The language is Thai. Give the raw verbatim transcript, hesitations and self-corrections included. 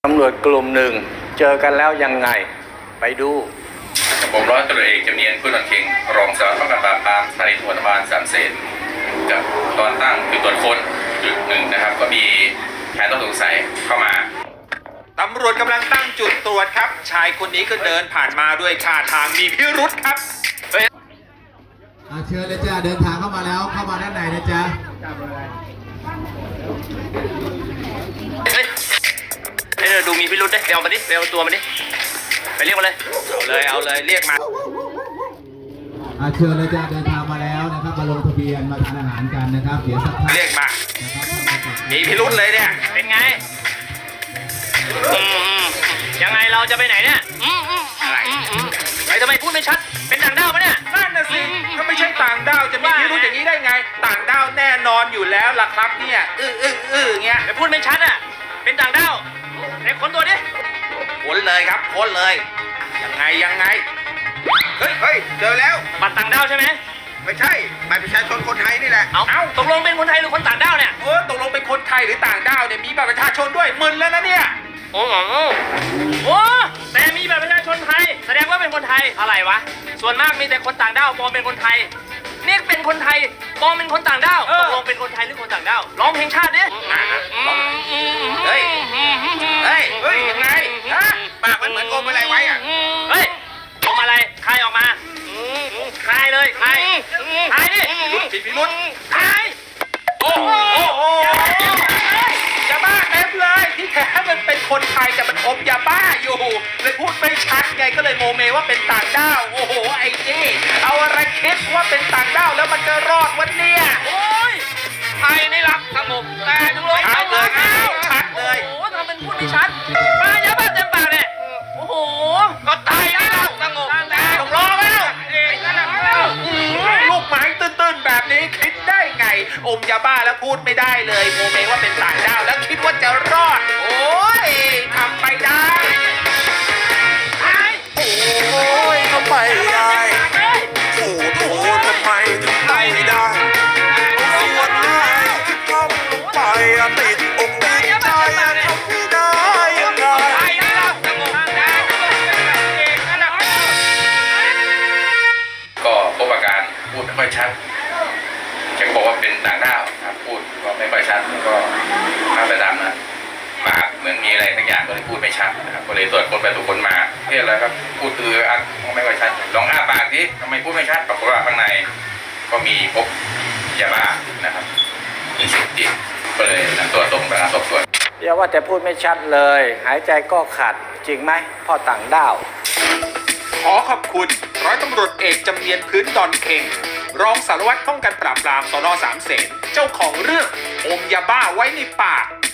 ตำรวจกลุ่มหนึ่งเจอกันแล้วยังไงไปดูผมร้อยตำรวจเอกจำเนียนผู้นำเข่งรองสารวัตรป้องกันปราบปรามสถานีตำรวจนครบาลสามเสนกับตอนตั้งจุดตรวจค้นจุดหนึ่งนะครับก็มีแผนต้องสงสัยเข้ามาตำรวจกำลังตั้งจุดตรวจครับชายคนนี้ก็เดินผ่านมาด้วยท่าทางมีพิรุธครับเฮ้ยเชิญเลยจ้าเดินทางเข้ามาแล้วเข้ามาด้านในนะจ๊ะเฮ้ยเฮ้ยดูมีพิรุธได้ไปเอามาดิไปเอาตัวมาดิไปเรียกมาเลยเอาเลยเอาเลยเรียกมาเชิญเลยจ้าเดินทางมาแล้วนะครับมาลงทะเบียนมาทานอาหารกันนะครับเดี๋ยวสักพักเรียกมามีพิรุธเลยเนี่ยเป็นไงยังไงเราจะไปไหนเนี่ยอะไรไอ้ทำไมพูดไม่ชัดเป็นต่างด้าวปะเนี่ยนั่นน่ะสิถ้าไม่ใช่ต่างด้าวจะมีพิรุธอย่างนี้ได้ไงต่างด้าวแน่นอนอยู่แล้วล่ะครับเนี่ยอื้ออื้ออื้อเงี้ยไปพูดไม่ชัดอ่ะเป็นต่างด้าวไอ้คนตัวดิค้นเลยครับค้นเลยยังไงยังไงเฮ้ยเฮ้ยเจอแล้วบัตรต่างด้าวใช่ไหมไม่ใช่บัตรประชาชนคนไทยนี่แหละเอาเอาตกลงเป็นคนไทยหรือคนต่างด้าวเนี่ยเออตกลงเป็นคนไทยหรือต่างด้าวเนี่ยมีบัตรประชาชนด้วยมึนแล้วนะเนี่ยโอ้โหโอ้แต่มีบัตรประชาชนไทยแสดงว่าเป็นคนไทยอะไรวะส่วนมากมีแต่คนต่างด้าวปลอมเป็นคนไทยนี่เป็นคนไทยปลอมเป็นคนต่างด้าวตกลงเป็นคนไทยหรือคนต่างด้าวร้องเพลงชาติดิเฮ้ยเฮ้ยเฮ้ยยังไงฮะปากมันเหมือนอมอะไรไว้อ่ะเฮ้ยอมอะไรใครออกมาใครเลยใครใครดิรุดผิดพิรุธใครโอ้โหยาบ้าเต็มเลยที่แท้มันเป็นคนไทยแต่มันอมยาบ้าอยู่เลยพูดไม่ชัดไงก็เลยโมเมว่าเป็นต่างด้าวโอ้โหไอ้นี่เอาอะไรคิดว่าเป็นต่างด้าวแล้วมันจะรอดวันเนี้ยโอ้ยไทยนี่รักสงบแต่จังเลยชัดเลยชัดเลยโอ้โหทำเป็นพูดไม่ชัดมายาบ้าเต็มปากเลยโอ้โหก็ไทยนี่รักสงบแต่ต้องรอแล้วลูกไม้ตื้นๆแบบนี้คิดได้ไงอมยาบ้าแล้วพูดไม่ได้เลยโมเมว่าเป็นต่างด้าวแล้วคิดว่าจะรอดโอ้ยทำไปได้โอ้ยทำไมได้โอ้โหทำไมถึงไม่ได้ส่วนไหนที่ทำลงไปติดอกติดใจทำไม่ได้ยังไงก็พบอาการพูดไม่ค่อยชัดแกบอกว่าเป็นต่างด้าวครับพูดก็ไม่ค่อยชัดก็ข้าไปดำนะปากเหมือนมีอะไรทั้งอย่างก็เลยพูดไม่ชัดนะครับก็เลยตรวจคนไปตรวจคนมาเรียกแล้วครับพูดคืออักไม่ค่อยชัดลองอ้าปากดิทำไมพูดไม่ชัดปรากฏว่าข้างในก็มีพบยาบ้านะครับมีสิ่งติดก็เลยนำตัวส่งพนักงานสอบสวนอย่าว่าแต่พูดไม่ชัดเลยหายใจก็ขัดจริงไหมพ่อต่างด้าวขอขอบคุณร้อยตำรวจเอกจำเนียนพื้นดอนเข่งรองสารวัตรป้องกันปราบปรามสน.สามเสนเจ้าของเรื่องอมยาบ้าไว้ในปาก